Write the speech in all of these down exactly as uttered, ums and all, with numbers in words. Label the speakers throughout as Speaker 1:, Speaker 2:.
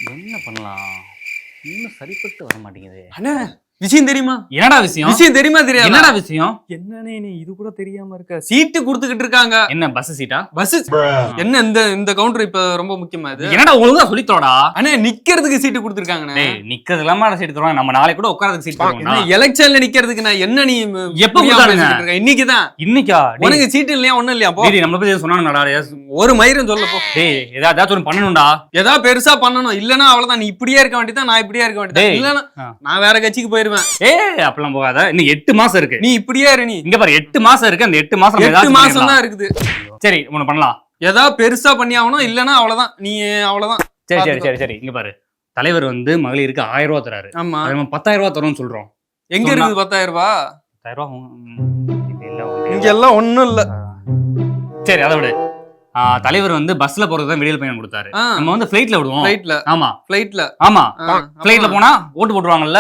Speaker 1: என்ன பண்ணலாம்? இன்னும் சரிப்பட்டு வர மாட்டேங்குது.
Speaker 2: அண்ணா விஷயம் தெரியுமா?
Speaker 1: என்னடா விஷயம்?
Speaker 2: விஷயம் தெரியுமா தெரியாது?
Speaker 1: என்னடா விஷயம்?
Speaker 2: என்னன்னே நீ இது கூட தெரியாம இருக்க. சீட்டு குடுத்துக்கிட்டு இருக்காங்க.
Speaker 1: என்ன பஸ் சீட்டா?
Speaker 2: பஸ் என்ன இந்த இந்த கவுண்டர் இப்ப ரொம்ப முக்கியமா இது.
Speaker 1: என்னடா ஒழுங்கா சொல்லித்தோடா.
Speaker 2: அண்ணே நிக்கிறதுக்கு சீட்டு குடுத்துருக்காங்க.
Speaker 1: டேய் நிக்கிறது இல்லாம சீட்டு தருவாங்க. நம்ம நாளைக்கு கூட உட்கார்றதுக்கு சீட் தருவாங்க.
Speaker 2: எலெக்ஷன்ல நிக்கிறதுக்கு நான் என்ன நீ
Speaker 1: எப்ப உட்காருங்க?
Speaker 2: இன்னைக்கு தான்.
Speaker 1: இன்னைக்கா?
Speaker 2: உனக்கு சீட்டு இல்லையா? ஒண்ணும் இல்லையா? போ.
Speaker 1: டேய் நம்மள பத்தி சொன்னாங்கடா.
Speaker 2: ஒரு மயிரும் சொல்ல போ.
Speaker 1: டேய் ஏதாவது ஒன்னு பண்ணணும்டா.
Speaker 2: ஏதாவது பெருசா பண்ணணும். இல்லனா அவ்வளவுதான். நீ இப்படியே இருக்க வேண்டியதான். நான் இப்படியே இருக்க வேண்டியதான். இல்லனா நான் வேற கட்சிக்கு போயிருவேன்.
Speaker 1: ஏய் அப்பலாம் போகாத. இன்னும் எட்டு மாசம் இருக்கு.
Speaker 2: நீ இப்படியே இரு. நீ
Speaker 1: இங்க பாரு எட்டு மாசம் இருக்கு. அந்த எட்டு மாசம்
Speaker 2: எட்டு மாசம் தான் இருக்குது.
Speaker 1: சரி ஒன்னு பண்ணலாம்.
Speaker 2: ஏதாவது பெருசா பண்ணி ஆகணும். இல்லனா அவ்வளவுதான். நீ அவ்வளவுதான்.
Speaker 1: சரி சரி சரி சரி இங்க பாரு. தலைவர் வந்து மகளிருக்கு ஆயிரம் ரூபாய் தராரு.
Speaker 2: ஆமா.
Speaker 1: நம்ம பத்தாயிரம் ரூபாய் தரோம்னு சொல்றோம்.
Speaker 2: எங்க இருக்குது பத்தாயிரம் ரூபாய்?
Speaker 1: பத்தாயிரம் ரூபாய்
Speaker 2: இங்க எல்லாம் ஒண்ணும் இல்ல.
Speaker 1: சரி அதை விடு. தலைவர் வந்து பஸ்ல போறது தான் வெளியில பயணம் கொடுத்தாரு. நம்ம வந்து ஃபிளைட்ல விடுவோம்.
Speaker 2: ஃபிளைட்ல.
Speaker 1: ஆமா
Speaker 2: ஃபிளைட்ல.
Speaker 1: ஆமா ஃபிளைட்ல போனா ஓட்டு போட்டுருவாங்கல்ல.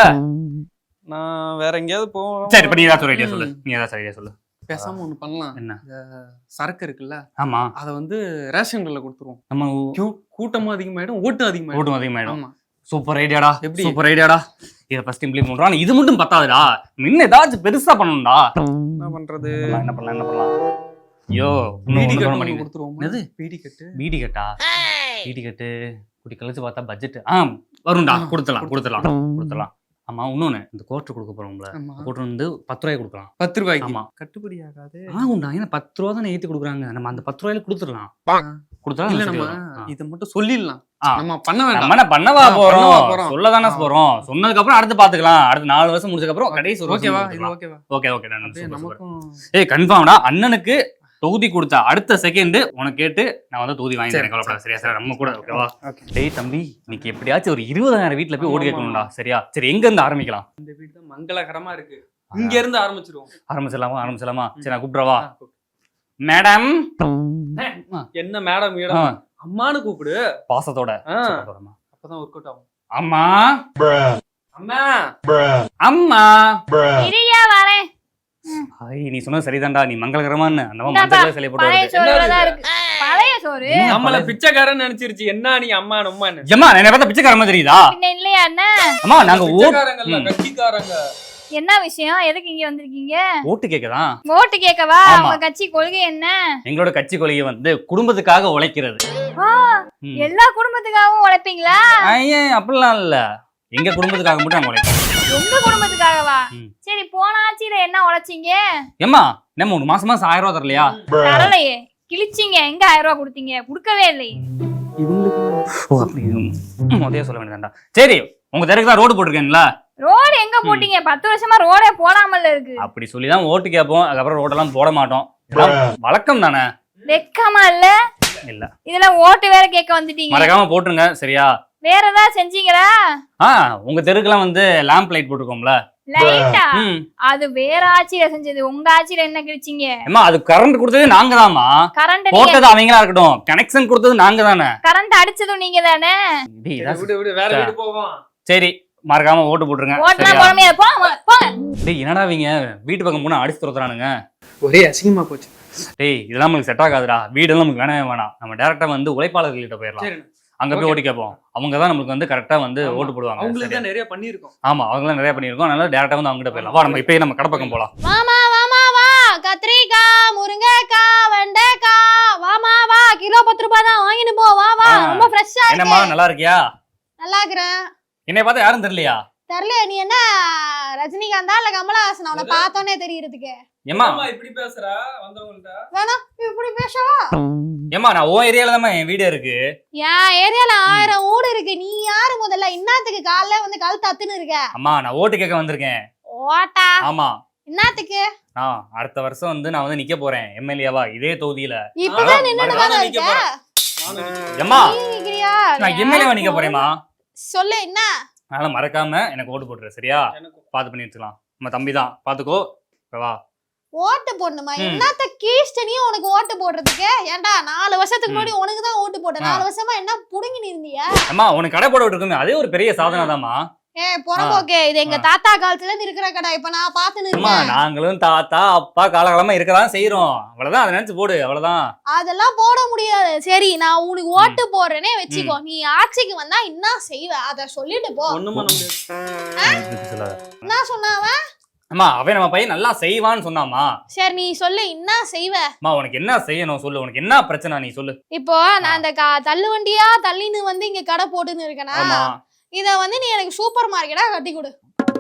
Speaker 2: நான் வேற எங்கயாவது போவோம்.
Speaker 1: சரி இப்ப நீ ஏதாவது ஐடியா சொல்லு. நீ ஏதாவது ஐடியா சொல்லு.
Speaker 2: பேசாம ஒண்ணு பண்ணலாம்.
Speaker 1: என்ன?
Speaker 2: சரக்கு இருக்குல்ல.
Speaker 1: ஆமா.
Speaker 2: அத வந்து ரேஷன் கடையில கொடுத்துருவோம்.
Speaker 1: நம்ம
Speaker 2: கூட்டமும் அதிகமாயிடும், ஓட்டு அதிகமாயிடும்.
Speaker 1: ஓட்டும் அதிகமாயிடும். சூப்பர் ஐடியாடா.
Speaker 2: எப்படி?
Speaker 1: சூப்பர் ஐடியாடா. இத ஃபர்ஸ்ட் இம்ப்ளிமெண்ட் பண்றோம். இது மட்டும் பத்தாதுடா. இன்னும் ஏதாச்சும் பெருசா பண்ணணும்டா.
Speaker 2: என்ன பண்றது?
Speaker 1: என்ன பண்ணலாம் என்ன பண்ணலாம்? ஐயோ
Speaker 2: பீடி கட்டு கொடுத்துருவோம்.
Speaker 1: என்னது?
Speaker 2: பீடி கட்டு.
Speaker 1: பீடி கட்டா? பீடி கட்டு குடி கழிச்சு பார்த்தா பட்ஜெட் ஆ வரும்டா. கொடுத்துடலாம் கொடுத்துடலாம் கொடுத்துடலாம். ஆமா இன்னொன்னு இந்த கோட்டர் கொடுக்க போறோம்ல. கோட்டர் வந்து பத்து ரூபாய்க்கு கொடுக்கலாம்.
Speaker 2: பத்து ரூபாய்க்கு.
Speaker 1: ஆமா
Speaker 2: கட்டுப்படி ஆகாது.
Speaker 1: ஆகும்டா. ஏன்னா பத்து ரூபா தானே ஏத்தி கொடுக்குறாங்க. நம்ம அந்த பத்து ரூபாயில கொடுத்துடலாம். கொடுத்துடலாம்.
Speaker 2: இல்ல நம்ம இத மட்டும் சொல்லிடலாம். நம்ம பண்ண வேண்டாம்.
Speaker 1: நம்ம என்ன பண்ணவா போறோம்? சொல்லதானே போறோம். சொன்னதுக்கு அப்புறம் அடுத்து பாத்துக்கலாம். அடுத்து நாலு வருஷம் முடிச்சதுக்கு அப்புறம் கடைசி ஒரு
Speaker 2: ஓகேவா? இது ஓகேவா?
Speaker 1: ஓகே ஓகே நமக்கும். ஏய் கன்ஃபார்ம்டா. அண்ணனுக்கு தொகுதி கொடுத்தா அடுத்த செகண்ட் உனக்கு கேட்டு நான் வந்து தொகுதி வாங்கி தரேன். கவலைப்படாத சரியா? சார் நம்ம கூட ஓகேவா? டேய் தம்பி இன்னைக்கு எப்படியாச்சும் ஒரு இருபதாயிரம் வீட்டுல போய் ஓடி கேட்கணும்டா. சரியா? சரி எங்க இருந்து ஆரம்பிக்கலாம்?
Speaker 2: இந்த வீடு தான் மங்களகரமா இருக்கு. இங்க இருந்து ஆரம்பிச்சிருவோம்.
Speaker 1: ஆரம்பிச்சிடலாமா? ஆரம்பிச்சிடலாமா? சரி நான் கூப்பிடுறவா? மேடம்.
Speaker 2: என்ன மேடம்? மேடம் அம்மானு கூப்பிடு பாசத்தோட. அப்பதான் ஒர்க் அவுட் ஆகும்.
Speaker 1: அம்மா
Speaker 2: அம்மா
Speaker 1: அம்மா
Speaker 3: இரியா வரேன்.
Speaker 1: ஐ நீ சொன்னது சரிதான்டா. நீ மங்களகரமான்னு அந்த மஞ்சள் சிலை போட்டு
Speaker 3: பழைய சோறு
Speaker 2: நம்மள பிச்சைக்காரன்னு நினைச்சிருச்சு. என்ன நீ அம்மா நம்மன்னு?
Speaker 1: ஏம்மா என்ன பார்த்தா பிச்சைக்காரமா தெரியுதா?
Speaker 3: பின்ன இல்லையா அண்ணா?
Speaker 1: அம்மா நாங்க
Speaker 2: ஓட்டுக்காரங்க இல்ல கட்சிக்காரங்க.
Speaker 3: என்ன விஷயம்? எதுக்கு இங்க வந்திருக்கீங்க?
Speaker 1: ஓட்டு கேக்கதான்.
Speaker 3: ஓட்டு கேக்கவா? உங்க கட்சி கொள்கை என்ன?
Speaker 1: எங்களோட கட்சி கொள்கை வந்து குடும்பத்துக்காக உழைக்கிறது.
Speaker 3: எல்லா குடும்பத்துக்காகவும் உழைப்பீங்களா?
Speaker 1: ஐயே அப்படிலாம் இல்ல. எங்க குடும்பத்துக்காக மட்டும் நாங்க உழைப்போம்.
Speaker 3: உங்க குடும்பத்துக்காகவா? சரி போன ஆட்சியில என்ன உழைச்சீங்க?
Speaker 1: ஏம்மா நம்ம ஒரு மாசம் மாசம் ஆயிரம் ரூபாய் தரலையா?
Speaker 3: தரலையே. கிழிச்சிங்க. எங்க ஆயிரம் ரூபாய் கொடுத்தீங்க? கொடுக்கவே இல்லை.
Speaker 1: முதல்ல சொல்ல வேண்டியதாண்டா. சரி உங்க தெருக்கு தான் ரோடு போட்டிருக்கேன்ல.
Speaker 3: ரோடு எங்க போட்டீங்க? பத்து வருஷமா ரோடே போடாமல இருக்கு.
Speaker 1: அப்படி சொல்லிதான் ஓட்டு கேட்போம். அதுக்கப்புறம் ரோடெல்லாம் போட மாட்டோம். வழக்கம் தானே.
Speaker 3: வெக்கமா இல்ல? இல்ல இதெல்லாம் ஓட்டு வேற கேட்க வந்துட்டீங்க.
Speaker 1: மறக்காம போட்டுருங்க சரியா?
Speaker 3: வேற ஏதாவது செஞ்சீங்களா?
Speaker 1: ஆ உங்க தெருக்குலாம் வந்து லேம்ப் லைட் போட்டுருக்கோம்ல.
Speaker 3: லைட்டா? அது வேற ஆட்சியில செஞ்சது. உங்க ஆட்சியில என்ன கிழிச்சீங்க?
Speaker 1: அம்மா அது கரண்ட் கொடுத்தது நாங்க தான்மா.
Speaker 3: கரண்ட்
Speaker 1: போட்டது அவங்களா இருக்கட்டும். கனெக்ஷன் கொடுத்தது நாங்க தானே.
Speaker 3: கரண்ட் அடிச்சதும் நீங்க தானே.
Speaker 2: விடு விடு வேற வீடு போவோம்.
Speaker 1: சரி மறக்காம ஓட்டு போட்டுருங்க.
Speaker 3: ஓட்டுனா போறமே போங்க போங்க.
Speaker 1: டேய் என்னடா வீங்க வீட்டு பக்கம் போனா அடிச்சு துரத்துறானுங்க.
Speaker 2: ஒரே அசிங்கமா போச்சு.
Speaker 1: டேய் இதெல்லாம் நமக்கு செட் ஆகாதுடா. வீடெல்லாம் நமக்கு வேணவே வேணாம். நம்ம டைரக்டா வந்து உழைப்பாளர்கள்கிட்ட போயிடலாம். அங்க போய் ஓட்டு கேட்போம். அவங்க தான் நமக்கு வந்து கரெக்டா வந்து ஓட்டு போடுவாங்க.
Speaker 2: அவங்களுக்கு தான் நிறைய பண்ணிருக்கோம்.
Speaker 1: ஆமா அவங்க தான் நிறைய பண்ணிருக்கோம். அதனால டைரக்டா வந்து அவங்க கிட்ட போயிடலாம். வா நம்ம இப்பயே நம்ம கடப்பக்கம் போலாம்.
Speaker 3: வாமா வாமா வா. கத்திரிக்காய் முருங்கைக்காய் வெண்டைக்காய் வாமா வா. கிலோ பத்து ரூபாய் தான் வாங்கிட்டு போ. வா வா ரொம்ப ஃப்ரெஷ்ஷா இருக்கு.
Speaker 1: என்னம்மா நல்லா இருக்கியா?
Speaker 3: நல்லா இருக்கறேன்.
Speaker 1: என்னைய பார்த்தா யாரும் தெரியலையா?
Speaker 3: தெரியல. நீ என்ன ரஜினிகாந்தா இல்ல கமலஹாசன்? அவனை பார்த்தோனே தெரியறதுக்கு.
Speaker 1: ஏம்மா
Speaker 2: இப்படி பேசுறா வந்தவங்கள்ட்ட?
Speaker 3: வேணா இப்படி பேசவா?
Speaker 1: ஏம்மா நான் ஓ ஏரியால தான் என் வீடு இருக்கு.
Speaker 3: என் ஏரியால ஆயிரம் ஊடு இருக்கு. நீ யாரு முதல்ல? இன்னத்துக்கு காலைல வந்து கல் தத்துன்னு இருக்க?
Speaker 1: அம்மா நான் ஓட்டு கேட்க வந்திருக்கேன்.
Speaker 3: ஓட்டா?
Speaker 1: ஆமா.
Speaker 3: இன்னத்துக்கு?
Speaker 1: நான் அடுத்த வருஷம் வந்து நான் வந்து நிக்க போறேன் எம்எல்ஏவா இதே தொகுதியில.
Speaker 3: இப்பதான் நின்னுட்டு தான இருக்க.
Speaker 1: ஏம்மா
Speaker 3: நீங்கறியா?
Speaker 1: நான் எம்எல்ஏவா நிக்க போறேம்மா.
Speaker 3: சொல்லு என்ன?
Speaker 1: அதனால மறக்காம எனக்கு ஓட்டு போட்டுரு சரியா? பாத்து பண்ணி வச்சுக்கலாம். நம்ம தம்பி தான் பாத்துக்கோ. வா
Speaker 3: ஓட்டு போடணுமா? என்னத்த கீஷ்டனியும் உனக்கு ஓட்டு போடுறதுக்கு? ஏன்டா நாலு வருஷத்துக்கு முன்னாடி உனக்கு தான் ஓட்டு போட்டேன். நாலு வருஷமா என்ன புடுங்கி நின்னியா?
Speaker 1: அம்மா உனக்கு கடை போட விட்டுருக்குமே அதே ஒரு பெரிய சாதனை தான்மா.
Speaker 3: ஏ புறம்போக்கே, இது எங்க தாத்தா காலத்துல இருந்து இருக்கிற கடை. இப்ப நான் பாத்துன்னு
Speaker 1: அம்மா
Speaker 3: இருக்கேன்.
Speaker 1: நாங்களும் தாத்தா அப்பா காலகாலமா இருக்கதான் செய்யறோம். அவ்வளவுதான், அதை நினைச்சு போடு, அவ்வளவுதான்.
Speaker 3: அதெல்லாம் போட முடியாது. சரி, நான் உனக்கு ஓட்டு போடுறேனே வச்சுக்கோ. நீ ஆட்சிக்கு வந்தா என்ன செய்வ அத சொல்லிட்டு போ.
Speaker 2: ஒண்ணும் பண்ண முடியாது.
Speaker 3: என்ன சொன்னாவ?
Speaker 1: அம்மா அவன் நம்ம பையன் நல்லா செய்வான்னு சொன்னாமா.
Speaker 3: சரி நீ சொல்லு, என்ன செய்வ?
Speaker 1: அம்மா உனக்கு என்ன செய்யணும் சொல்லு, உனக்கு என்ன பிரச்சனை நீ சொல்லு.
Speaker 3: இப்போ நான் அந்த கா- தள்ளு வண்டியா தள்ளின்னு வந்து இங்க கடை போட்டுன்னு இருக்கேனா,
Speaker 1: ஆமா
Speaker 3: இத வந்து நீ எனக்கு சூப்பர் மார்க்கெட்டா கட்டி கொடு.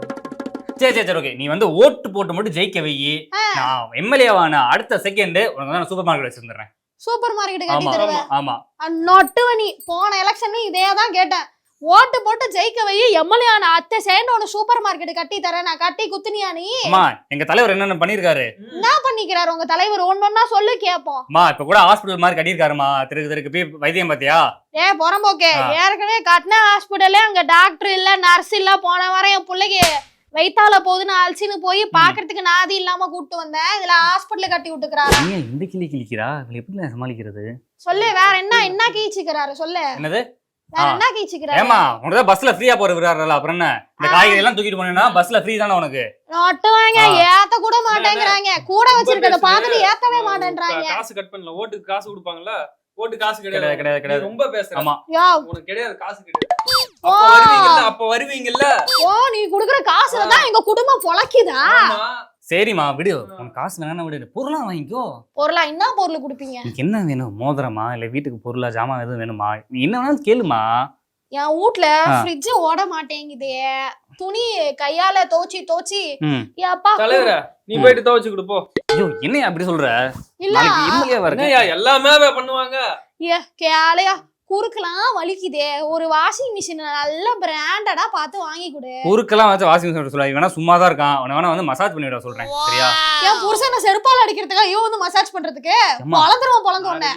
Speaker 1: சரி சரி சரி ஓகே, நீ வந்து ஓட்டு போட்டு மட்டும் ஜெயிக்க வை. நான் எம்எல்ஏவான அடுத்த செகண்ட் உனக்கு வந்து சூப்பர் மார்க்கெட் வச்சிருந்தேன்.
Speaker 3: சூப்பர் மார்க்கெட் கட்டி
Speaker 1: ஆமா
Speaker 3: தருவேன்.
Speaker 1: ஆமா
Speaker 3: நொட்டுவ நீ. போன எலெக்ஷன்ல இதே தான் கேட்டேன். ஓட்டு போட்டு ஜெயிக்க வை, எம்எல்ஏ ஆன அத்தை சேர்ந்து உன சூப்பர் மார்க்கெட் கட்டி தரேன். நான் கட்டி குத்துனியா நீ?
Speaker 1: அம்மா எங்க தலைவர் என்னென்ன பண்ணிருக்காரு?
Speaker 3: என்ன பண்ணிக்கிறாரு உங்க தலைவர்? ஒன்னொன்னா சொல்லு கேப்போம்.
Speaker 1: அம்மா இப்ப கூட ஹாஸ்பிடல் மாதிரி கட்டியிருக்காருமா, திருக்கு திருக்கு போய் வைத்தியம் பாத்தியா?
Speaker 3: ஏ புறம்போக்கே, ஏற்கனவே கட்டின ஹாஸ்பிட்டலே அங்க டாக்டர் இல்ல நர்ஸ் இல்ல. போன வாரம் என் பிள்ளைக்கு வைத்தால போகுதுன்னு அழிச்சுன்னு போய் பாக்குறதுக்கு நாதி இல்லாம கூப்பிட்டு வந்தேன். இதுல ஹாஸ்பிட்டல் கட்டி விட்டுக்கிறாரா?
Speaker 1: இந்த கிளி கிளிக்கிறா, எப்படி சமாளிக்கிறது?
Speaker 3: சொல்லு, வேற என்ன என்ன கீச்சுக்கிறாரு சொல்லு.
Speaker 1: என்னது?
Speaker 3: வேற என்ன கீச்சுக்கிறாரு?
Speaker 1: ஏமா உனக்கு பஸ்ல ஃப்ரீயா போற விடுறாருல, அப்புறம் என்ன? இந்த காய்கறி எல்லாம் தூக்கிட்டு போனேன்னா பஸ்ல ஃப்ரீ தானே உனக்கு?
Speaker 3: நோட்டு வாங்க ஏத்த கூட மாட்டேங்கிறாங்க. கூட வச்சிருக்கத பாத்துட்டு ஏத்தவே மாட்டேன்றாங்க.
Speaker 2: காசு கட் பண்ணல, ஓட்டுக்கு காசு கொடுப்பாங்கல்ல, ஓட்டு காசு
Speaker 1: கிடையாது
Speaker 2: கிடையாது.
Speaker 1: கிடையாது கிடையாது.
Speaker 2: ரொம்ப பேசுற.
Speaker 1: ஆமா
Speaker 2: உனக்கு கிடையாது, காசு கிடையாது. அப்ப வருவீங்கல்ல, அப்ப வருவீங்கல்ல.
Speaker 3: ஓ நீ குடுக்குற காசுல தான் எங்க குடும்பம் பொழைக்குதா?
Speaker 2: ஆமா.
Speaker 1: சரிம்மா விடு, உனக்கு காசு வேணா விடு, பொருளா வாங்கிக்கோ.
Speaker 3: பொருளா என்ன பொருள் குடுப்பீங்க?
Speaker 1: உனக்கு என்ன வேணும்? மோதிரமா இல்ல வீட்டுக்கு பொருளா ஜாமான் எதுவும் வேணுமா? நீ என்ன வேணாலும் கேளுமா.
Speaker 3: என் வீட்ல ஃப்ரிட்ஜ் ஓட மாட்டேங்குதே. துணி கையால தோச்சி தோச்சி அப்பா.
Speaker 2: தலைவரே நீ போயிட்டு துவைச்சு கொடு போ.
Speaker 1: ஐயோ என்னையா அப்படி சொல்ற?
Speaker 3: இல்ல
Speaker 1: எம்எல்ஏவா இருக்க?
Speaker 2: என்னய்யா எல்லாமே பண்ணுவாங்க.
Speaker 3: ஏ கேளையா, குறுக்கலாம் வலிக்குதே. ஒரு வாஷிங் மிஷின் நல்ல பிராண்டடா பார்த்து வாங்கி கொடு.
Speaker 1: குறுக்கெல்லாம் வச்சு வாஷிங் மிஷின் சொல்ல வேணா, சும்மா தான் இருக்கான். அவனை வேணா வந்து மசாஜ் பண்ணி விட சொல்றேன், சரியா?
Speaker 3: என் புருஷனை செருப்பால் அடிக்கிறதுக்கா ஐயோ வந்து மசாஜ் பண்றதுக்கு வளர்ந்துருவான் பொழந்து உடனே.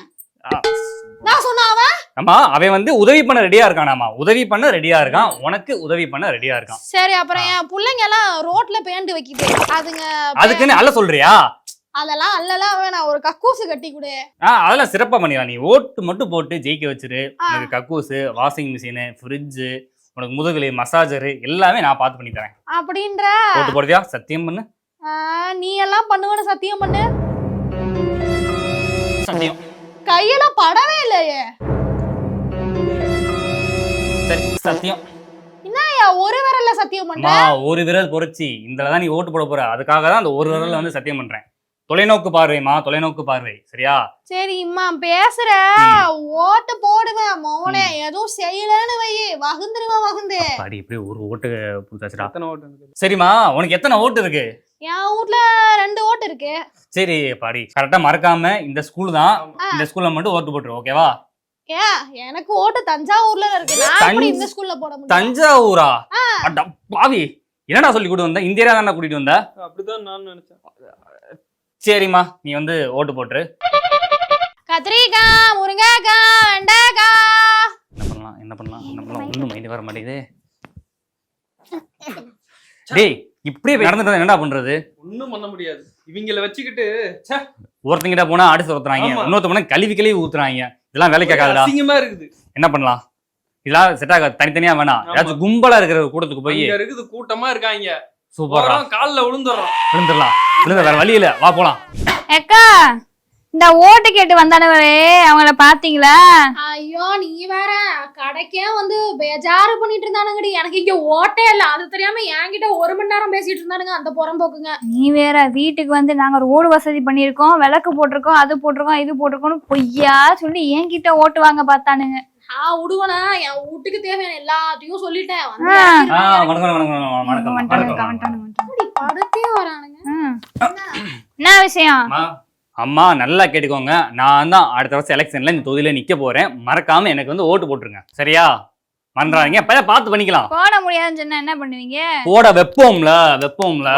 Speaker 3: நான் சொன்ன அவன்
Speaker 1: ஆமா அவன் வந்து உதவி பண்ண ரெடியா இருக்கானாமா, உதவி பண்ண ரெடியா இருக்கான், உனக்கு உதவி பண்ண ரெடியா இருக்கான்.
Speaker 3: சரி அப்புறம் என் பிள்ளைங்க எல்லாம் ரோட்ல பேண்டு வைக்குது, அதுங்க
Speaker 1: அதுக்குன்னு அல்ல சொல்றியா?
Speaker 3: அதெல்லாம் அல்லலாம் வேணாம், ஒரு கக்கூசு கட்டி கொடு.
Speaker 1: ஆஹ் அதெல்லாம் சிறப்பா பண்ணிடலாம். நீ ஓட்டு மட்டும் போட்டு ஜெயிக்க வச்சிரு. உனக்கு கக்கூசு, வாஷிங் மிஷின், ஃப்ரிட்ஜ், உனக்கு முதுகுலி மசாஜர் எல்லாமே நான் பார்த்து பண்ணி தரேன்.
Speaker 3: அப்படின்ற
Speaker 1: ஓட்டு போடுறியா? சத்தியம் பண்ணு.
Speaker 3: நீ எல்லாம் பண்ணுவேன்னு சத்தியம் பண்ணு.
Speaker 1: சத்தியம்.
Speaker 3: கையெல்லாம் படவே இல்லையே.
Speaker 1: சரி சத்தியம்.
Speaker 3: என்னய்யா ஒரு விரல்ல சத்தியம் பண்ற?
Speaker 1: ஒரு விரல் பொறிச்சி இந்ததான் நீ ஓட்டு போட போற, அதுக்காக தான் அந்த ஒரு விரல்ல வந்து சத்தியம் பண்றேன். தொலைநோக்கு பார்வைமா, தொலைநோக்கு பார்வை, சரியா?
Speaker 3: சரி இம்மா பேசுற, ஓட்டு போடுவேன் மோனே, எதுவும் செய்யலன்னு வை வகுந்துருவேன் வகுந்து.
Speaker 1: பாடி இப்படி ஒரு ஓட்டு புடிச்சாச்சுடா.
Speaker 2: எத்தனை ஓட்டு?
Speaker 1: சரிம்மா உனக்கு எத்தனை ஓட்டு இருக்கு?
Speaker 3: என் வீட்ல ரெண்டு ஓட்டு இருக்கு.
Speaker 1: சரி பாடி கரெக்டா மறக்காம இந்த ஸ்கூல் தான், இந்த ஸ்கூல்ல மட்டும் ஓட்டு போட்டுரு, ஓகேவா?
Speaker 3: ஏன் எனக்கு ஓட்டு தஞ்சாவூர்ல இருக்கு, நான் எப்படி இந்த ஸ்கூல்ல போட முடியும்?
Speaker 1: தஞ்சாவூரா? அட பாவி, என்னடா சொல்லி கூட்டு வந்த? இந்த ஏரியா தானே கூட்டிட்டு வந்த?
Speaker 2: அப்படிதான் நான் நினைச்சேன்.
Speaker 1: சரிம்மா நீ வந்து ஓட்டு போட்டுரு.
Speaker 3: கத்திரிக்காய், முருங்கைக்காய், வெண்டைக்காய்.
Speaker 1: என்ன பண்ணலாம் என்ன பண்ணலாம் என்ன பண்ணலாம் ஒன்றும் மைண்ட் வர மாட்டேங்குது. டேய் இப்படியே நடந்துட்டு என்னடா பண்றது?
Speaker 2: ஒன்னும் பண்ண முடியாது. இவங்கள வச்சுக்கிட்டு
Speaker 1: ஒருத்தங்கிட்ட போனா அடிச்சு ஊத்துறாங்க, இன்னொருத்த போனா கழுவி கழுவி ஊத்துறாங்க. இதெல்லாம் வேலைக்கு ஆகாதுடா.
Speaker 2: அசிங்கமா இருக்குது.
Speaker 1: என்ன பண்ணலாம்? இதெல்லாம் செட் ஆகாது, தனித்தனியா வேணாம். ஏதாச்சும் கும்பலா இருக்கிற கூட்டத்துக்கு போய்
Speaker 2: இருக்குது, கூட்டமா இருக்காங்க.
Speaker 1: சூப்பரா
Speaker 2: கால்ல விழுந்துறோம்.
Speaker 1: விழுந்துடலாம். விழுந்த வேற வழி இல்ல, வா போலாம்.
Speaker 4: அக்கா இந்த ஓட்டு கேட்டு வந்தானவரே அவங்கள பாத்தீங்களா?
Speaker 3: ஐயோ நீ வேற கடைக்கே வந்து பேஜாரு பண்ணிட்டு இருந்தானுங்கடி. எனக்கு இங்க ஓட்டே இல்ல, அது தெரியாம என்கிட்ட ஒரு மணி நேரம் பேசிட்டு இருந்தானுங்க அந்த புறம்போக்குங்க.
Speaker 4: நீ வேற வீட்டுக்கு வந்து நாங்க ரோடு வசதி பண்ணிருக்கோம், விளக்கு போட்டிருக்கோம், அது போட்டிருக்கோம், இது போட்டிருக்கோம் பொய்யா சொல்லி என்கிட்ட ஓட்டு வாங்க பார்த்தானுங்க.
Speaker 3: நான் விடுவனா, என் வீட்டுக்கு தேவையான எல்லாத்தையும் சொல்லிட்டேன். படுத்தே வரானுங்க.
Speaker 4: என்ன விஷயம்?
Speaker 1: அம்மா நல்லா கேட்டுக்கோங்க, நான் தான் அடுத்த வருஷம் எலெக்ஷன்ல இந்த தொகுதியில நிக்க போறேன். மறக்காம எனக்கு வந்து ஓட்டு போட்டுருங்க, சரியா? மன்றாங்க பையன் பார்த்து பண்ணிக்கலாம்.
Speaker 4: போட முடியாதுன்னு சொன்னா என்ன பண்ணுவீங்க?
Speaker 1: போட வெப்போம்ல வெப்போம்ல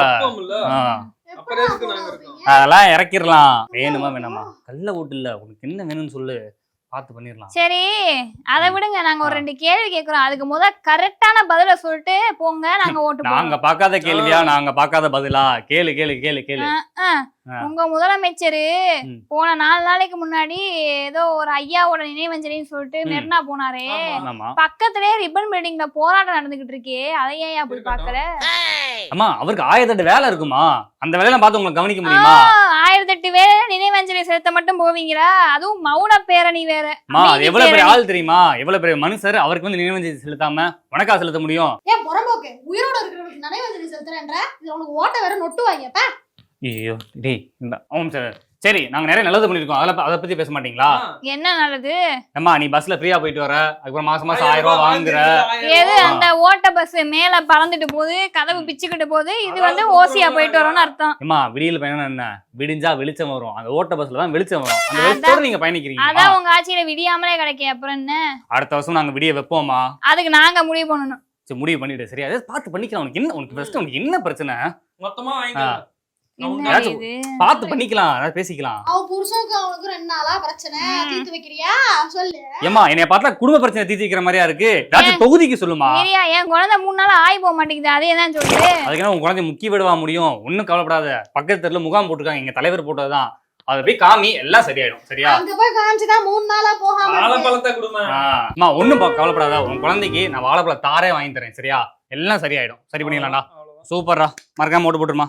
Speaker 1: அதெல்லாம் இறக்கிடலாம். வேணுமா வேணாமா? கல்ல ஓட்டு இல்ல, உனக்கு என்ன வேணும்னு சொல்லு, பார்த்து பண்ணிடலாம்.
Speaker 4: சரி அதை விடுங்க, நாங்க ஒரு ரெண்டு கேள்வி கேக்குறோம், அதுக்கு முத கரெக்டான பதில சொல்லிட்டு போங்க, நாங்க ஓட்டு போடுறோம்.
Speaker 1: நாங்க பார்க்காத கேள்வியா, நாங்க பார்க்காத பதிலா? கேளு கேளு கேளு கேளு.
Speaker 4: உங்க முதலமைச்சரு
Speaker 1: ம்.
Speaker 4: போன நாலு நாளைக்கு முன்னாடி ஏதோ ஒரு ஐயாவோட நினைவஞ்சலின்னு சொல்லிட்டு
Speaker 1: ம்.
Speaker 4: மெரினா போனாரே.
Speaker 1: ஆமா
Speaker 4: பக்கத்திலே ரிப்பன் பில்டிங்ல போராட்டம் நடந்துகிட்டு இருக்கே, அதை ஏன் அப்படி பாக்கல?
Speaker 1: அம்மா அவருக்கு ஆயிரத்தெட்டு வேலை இருக்குமா, அந்த வேலையெல்லாம் பார்த்து உங்களுக்கு கவனிக்க முடியுமா?
Speaker 4: ஆயிரத்தி எட்டு வேலை நினைவஞ்சலி செலுத்த மட்டும் போவீங்களா? அதுவும் மௌன பேரணி வேற.
Speaker 1: அம்மா அது
Speaker 4: அமைதி
Speaker 1: எவ்வளவு பெரிய
Speaker 4: பேரணி.
Speaker 1: ஆள் தெரியுமா, எவ்வளவு பெரிய மனுஷர், அவருக்கு வந்து நினைவஞ்சலி செலுத்தாம உனக்கா செலுத்த முடியும்?
Speaker 3: ஏன் புறம்போக்கு உயிரோட இருக்கிறவனுக்கு நினைவஞ்சலி செலுத்துறேன்ற இது உனக்கு ஓட்ட வேற நொட்டுவாங்கப்பா.
Speaker 1: ஐயோ டேய் இந்த ஆமாம் சார். சரி நாங்க நிறைய நல்லது பண்ணிருக்கோம், அதெல்லாம் அதை பத்தி பேச மாட்டீங்களா?
Speaker 4: என்ன நல்லது?
Speaker 1: அம்மா நீ பஸ்ல ஃப்ரீயா போயிட்டு வர, அதுக்கப்புறம் மாசம் மாசம் ஆயிரம் ரூபாய் வாங்குற.
Speaker 4: எது அந்த ஓட்ட பஸ் மேல பறந்துட்டு போகுது, கதவு பிச்சுக்கிட்டு போகுது, இது வந்து ஓசியா போயிட்டு வரோம்னு அர்த்தம்.
Speaker 1: அம்மா விடியல் பயணம் என்ன, விடிஞ்சா வெளிச்சம் வரும், அந்த ஓட்ட பஸ்ல தான் வெளிச்சம் வரும், அந்த வெளிச்சத்தோட நீங்க பயணிக்கிறீங்க.
Speaker 4: அதான் உங்க ஆட்சியில விடியாமலே கிடைக்கும். அப்புறம் என்ன?
Speaker 1: அடுத்த வருஷம் நாங்க விடிய வைப்போமா?
Speaker 4: அதுக்கு நாங்க முடிவு பண்ணணும்.
Speaker 1: சரி முடிவு பண்ணிட்டு சரியா அதை பார்த்து பண்ணிக்கலாம். உனக்கு என்ன, உனக்கு ஃபர்ஸ்ட் உனக்கு என்ன பிரச்சனை?
Speaker 2: மொத்தமா வாங்கிக்கலாம்.
Speaker 4: என்ன
Speaker 1: ஏதாச்சும்
Speaker 4: இது?
Speaker 1: பார்த்து பண்ணிக்கலாம், அதாவது பேசிக்கலாம்.
Speaker 3: அவன் புருஷனுக்கு அவனுக்கு ரெண்டு நாளா பிரச்சனை தீர்த்து வைக்கிறியா சொல்லு.
Speaker 1: ஏமா என்னைய பார்த்தா குடும்ப பிரச்சனை தீர்த்திக்கிற மாதிரியா இருக்கு, ஏதாச்சும் தொகுதிக்கு சொல்லுமா.
Speaker 4: சரியா, என் குழந்தை மூணு நாள் ஆகி போக மாட்டேங்குது, அதே தான் சொல்லுது.
Speaker 1: அதுக்கு என்ன உங்க குழந்தை முக்கிய விடவா முடியும்? ஒன்னும் கவலைப்படாத, பக்கத்து தெருல முகாம் போட்டிருக்காங்க, எங்க தலைவர் போட்டதுதான், அதை போய் காமி எல்லாம் சரியாயிடும். சரியா?
Speaker 3: அங்க போய் காமிச்சுதான் மூணு நாளா போகாம இருக்கு.
Speaker 2: வாழைப்பழத்தை கொடுமா.
Speaker 1: அம்மா ஒண்ணும் பா- கவலைப்படாத, உன் குழந்தைக்கு நான் வாழைப்பழ தாரே வாங்கி தரேன். சரியா? எல்லாம் சரியாயிடும். சரி பண்ணிக்கலாம்டா. சூப்பர்ரா, மறக்காம ஓட்டு போட்டுருமா.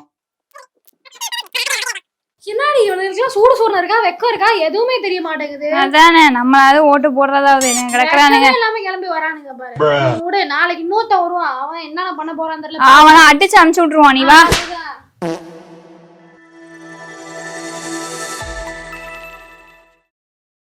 Speaker 3: என்னடி இவனுக்கு சூடு சூடு இருக்கா, வெக்கம் இருக்கா, எதுவுமே தெரிய மாட்டேங்குது.
Speaker 4: அதானே, நம்மளாவது ஓட்டு போடுறதாவது கிடக்குறானுங்க.
Speaker 3: வெக்கமே இல்லாம கிளம்பி வரானுங்க பாரு. விடு, நாளைக்கு இன்னொருத்த வருவான், அவன் என்னென்ன பண்ண போறான்னு தெரியல.
Speaker 4: அவனை அடிச்சு அனுப்பிச்சு விட்டுருவான். நீ வா.
Speaker 3: அதுதான்.